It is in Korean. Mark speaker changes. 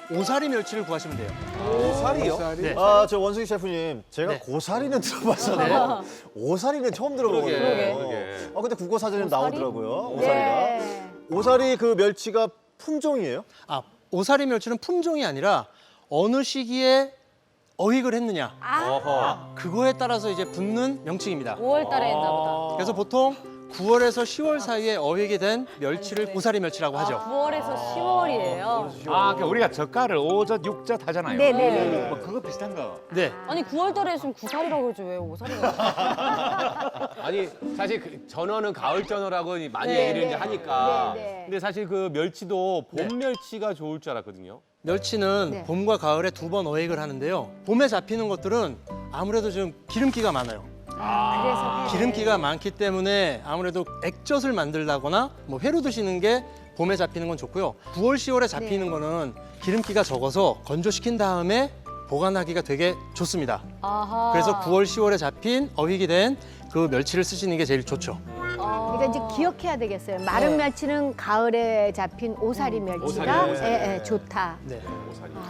Speaker 1: 오사리 멸치를 구하시면 돼요.
Speaker 2: 오사리요?
Speaker 1: 네.
Speaker 3: 아, 저 원숭이 셰프님, 제가
Speaker 1: 네.
Speaker 3: 고사리는 들어봤어요. 오사리는 처음 들어보거든요.
Speaker 2: 그러게.
Speaker 3: 아, 근데 국어 사전에 나오더라고요. 오사리가.
Speaker 4: 네.
Speaker 3: 오사리 그 멸치가 품종이에요?
Speaker 1: 아, 오사리 멸치는 품종이 아니라 어느 시기에 어획을 했느냐.
Speaker 2: 어허.
Speaker 1: 그거에 따라서 이제 붙는 명칭입니다.
Speaker 4: 5월 달에 했나 보다.
Speaker 1: 그래서 보통 9월에서 10월 사이에 어획이 된 멸치를 오사리 멸치라고 하죠.
Speaker 4: 9월에서 10월이에요.
Speaker 5: 아, 그러니까 우리가 젓갈을 5젓, 6젓 하잖아요.
Speaker 4: 네네네.
Speaker 5: 뭐 그거 비슷한 거.
Speaker 1: 네.
Speaker 4: 아니 9월 달에 했으면 9살이라고 그러지 왜 5살이가?
Speaker 2: 아니 사실 그 전어는 가을 전어라고 많이
Speaker 4: 네,
Speaker 2: 얘기를
Speaker 4: 네.
Speaker 2: 이제 하니까.
Speaker 4: 네, 네.
Speaker 2: 근데 사실 그 멸치도 봄
Speaker 1: 네.
Speaker 2: 멸치가 좋을 줄 알았거든요.
Speaker 1: 멸치는
Speaker 4: 네.
Speaker 1: 봄과 가을에 2번 어획을 하는데요. 봄에 잡히는 것들은 아무래도 좀 기름기가 많아요.
Speaker 4: 그래서
Speaker 1: 기름기가 많기 때문에 아무래도 액젓을 만들다거나 뭐 회로 드시는 게 봄에 잡히는 건 좋고요. 9월, 10월에 잡히는 거는 기름기가 적어서 건조시킨 다음에 보관하기가 되게 좋습니다.
Speaker 4: 아하.
Speaker 1: 그래서 9월, 10월에 잡힌 어획이 된 그 멸치를 쓰시는 게 제일 좋죠.
Speaker 4: 아.
Speaker 6: 그러니까 이제 기억해야 되겠어요. 마른 멸치는 가을에 잡힌 오사리 멸치가
Speaker 2: 오사리.
Speaker 6: 예, 예, 좋다.
Speaker 1: 네.
Speaker 2: 오사리.